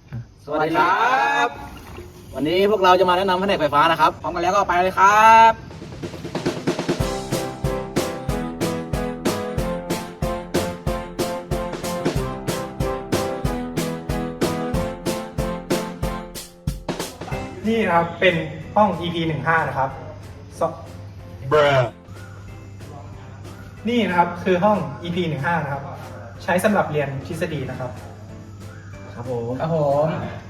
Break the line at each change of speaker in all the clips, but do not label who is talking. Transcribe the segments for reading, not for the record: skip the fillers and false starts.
สวัสดีครับ วันนี้พวกเราจะมาแนะนำแผนกไฟฟ้านะครับพร้อมกันแล้วก็ไปเลยครับ
นี่นะครับเป็นห้อง EP 15นะครับนี่นะครับคือห้อง EP 15นะครับใช้สำหรับเรียนทฤษฎีนะครับ
ครับผม
ครับผม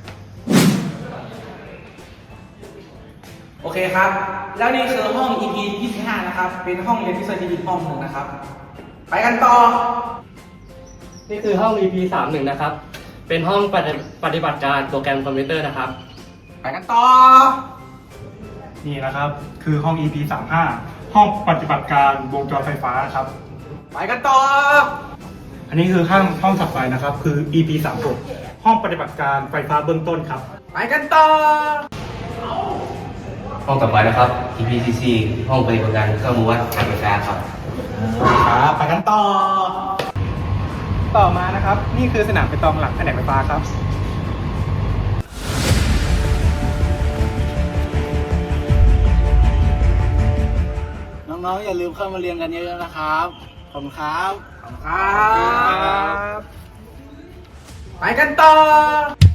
โอเคครับ แล้วนี่คือห้อง EP 25นะครับ เป็นห้องเรียนทฤษฎีอีกห้องหนึ่งนะครับ ไปกันต่อ
นี่คือห้อง EP 31นะครับ เป็นห้องปฏิบัติการโปรแกรมคอมพิวเตอร์นะครับ
ไปกันต่อ
นี่นะครับคือห้อง EP 35ห้องปฏิบัติการวงจรไฟฟ้าครับ
ไปกันต่อ
อันนี้คือห้องถัดไปนะครับคือ EP 36ห้องปฏิบัติการไฟฟ้าเบื้องต้นครับ
ไปกันต่อ
ห้องต่อไปนะครับ EPCC ห้องปฏิบัติการเครื่องมือวัดการไฟฟ้าครับ
ครับไปกันต่อมานะครับนี่คือสนามเปตองหลังแผนกไฟฟ้าครับ
น้องๆอย่าลืมเข้ามาเรียนกันเยอะๆนะครับขอบคุณครับ
ครับ ไปกันต่อ